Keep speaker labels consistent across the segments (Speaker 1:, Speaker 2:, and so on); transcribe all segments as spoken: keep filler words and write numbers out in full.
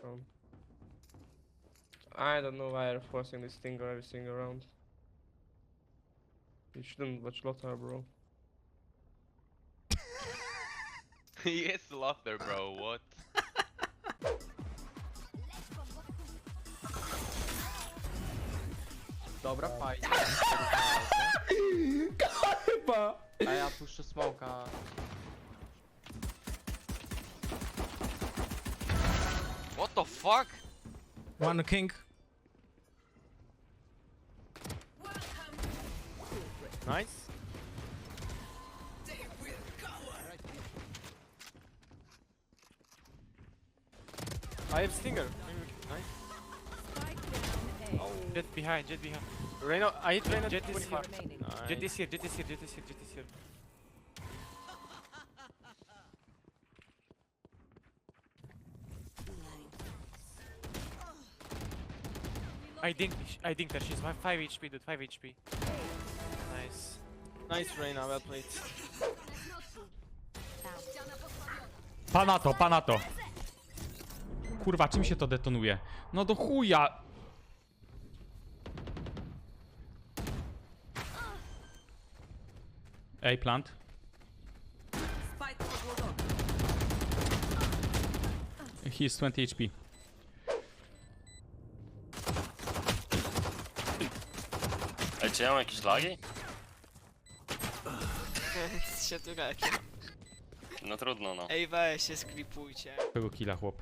Speaker 1: round. I don't know why you're forcing this thing every single round. You shouldn't watch Lothar, bro.
Speaker 2: He is Lothar, bro, what?
Speaker 3: Dobra, fajnie.
Speaker 1: Chyba!
Speaker 3: A ja puszczę smoka.
Speaker 2: What the fuck?
Speaker 4: One king.
Speaker 3: Nice. I have stinger. Nice.
Speaker 5: Jet behind, jet behind.
Speaker 3: Reyna, I hit Reyna
Speaker 5: Jet is
Speaker 3: twenty-five.
Speaker 5: here.
Speaker 3: Nice.
Speaker 5: Jet is here, jet is here, jet is here, jet is here. I think I think that she's five H P, dude, five H P. Nice.
Speaker 3: Nice Reyna, well played.
Speaker 4: Pana to, pana to. Kurwa, czym się to detonuje? No do chuja! Ej, plant. He is twenty H P.
Speaker 6: Ej, czy ja mam jakieś lagi?
Speaker 7: się tu leci.
Speaker 6: No trudno, no.
Speaker 7: Ej, weź się sklipujcie.
Speaker 4: Tego killa, chłop.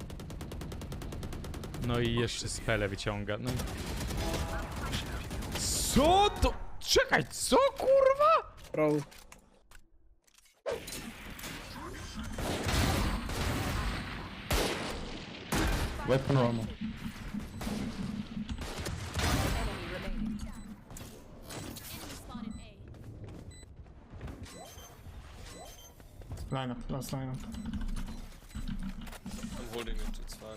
Speaker 4: No i jeszcze spele wyciąga. No. Co to? Czekaj, co kurwa?
Speaker 1: Bro.
Speaker 4: Weapon ammo.
Speaker 8: Lineup, last lineup.
Speaker 3: I'm holding it, it's fine.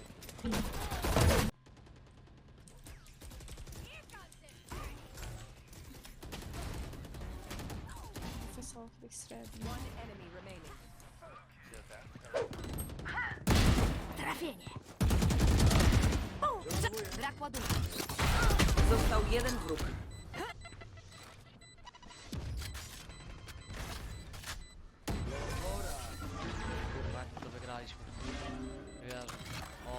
Speaker 9: Trafienie. Brak ładunku. Został jeden wróg.
Speaker 7: Kurwa, jak to wygraliśmy. Wierzę. O.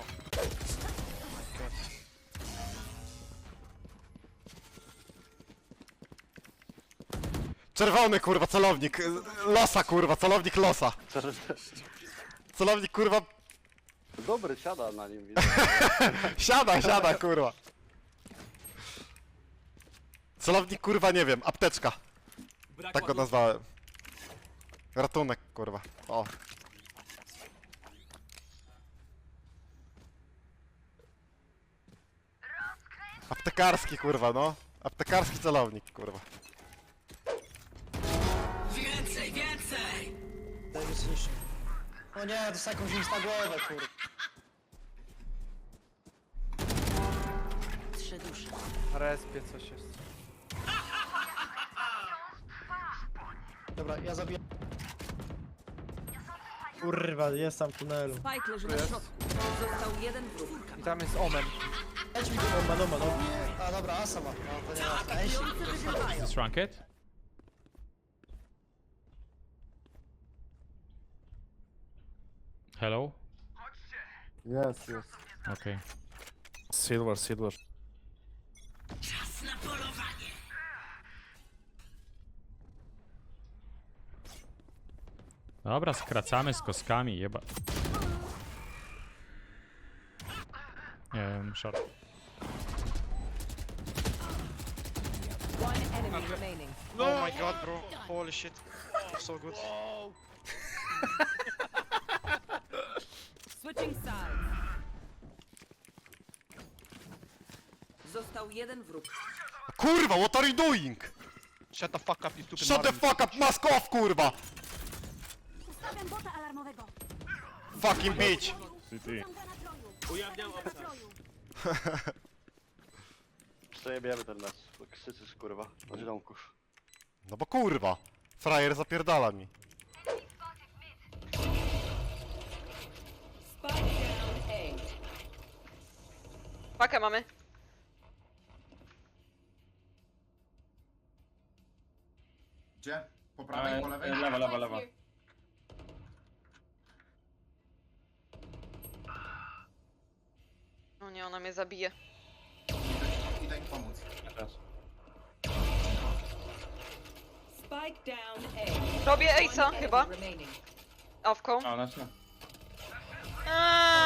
Speaker 10: Czerwony kurwa, celownik. Losa kurwa, celownik losa. Celownik kurwa.
Speaker 6: Dobry, siada na nim, widzę.
Speaker 10: Siada, siada kurwa. Celownik kurwa, nie wiem, apteczka. Tak go nazwałem. Ratunek kurwa. O. Aptekarski kurwa, no. Aptekarski celownik kurwa.
Speaker 9: Więcej, więcej!
Speaker 8: O nie, to jakąś nic na głowę, kurwa.
Speaker 9: Trzy dusze.
Speaker 3: Respie coś jest.
Speaker 8: Dobra, ja zabiję. Kurwa, jest tam w tunelu.
Speaker 9: Spike leży na środku. Został jeden wróg.
Speaker 3: I tam jest Omen.
Speaker 8: Leć mi tu, no, no, no. A dobra, Asa ma. No, to nie ma. Ej,
Speaker 4: Is this ranked? Hello?
Speaker 10: Yes, yes.
Speaker 4: Okay.
Speaker 10: Silver, silver.
Speaker 9: Czas na polowanie.
Speaker 4: Dobra, skracamy z kostkami, jeba. Um, short.
Speaker 9: One enemy remaining.
Speaker 5: Oh my god, bro. Holy shit. So good.
Speaker 9: Switching sides. Został jeden wróg.
Speaker 10: Kurwa, what are you doing?
Speaker 5: Shut the fuck up, you stupid
Speaker 10: Shut the
Speaker 5: Marvin.
Speaker 10: fuck up, mask off kurwa!
Speaker 9: Ustawiam bota alarmowego.
Speaker 10: Fucking bitch!
Speaker 9: Ujawniam obszar.
Speaker 6: Przejebiemy ten mecz, bo krzyczysz kurwa, na ziomków.
Speaker 10: No bo kurwa, frajer zapierdala mi.
Speaker 9: Spike down A.
Speaker 11: Pakę mamy.
Speaker 12: Gdzie? Po prawej, po lewej?
Speaker 1: Lewa, lewa, lewa.
Speaker 11: No nie, ona mnie zabije.
Speaker 12: Idę im pomóc.
Speaker 9: Spike down A.
Speaker 11: Robię Ace'a
Speaker 9: One
Speaker 11: chyba.
Speaker 9: enemy remaining.
Speaker 11: Awką.
Speaker 1: A, ona się.
Speaker 11: Aaaa!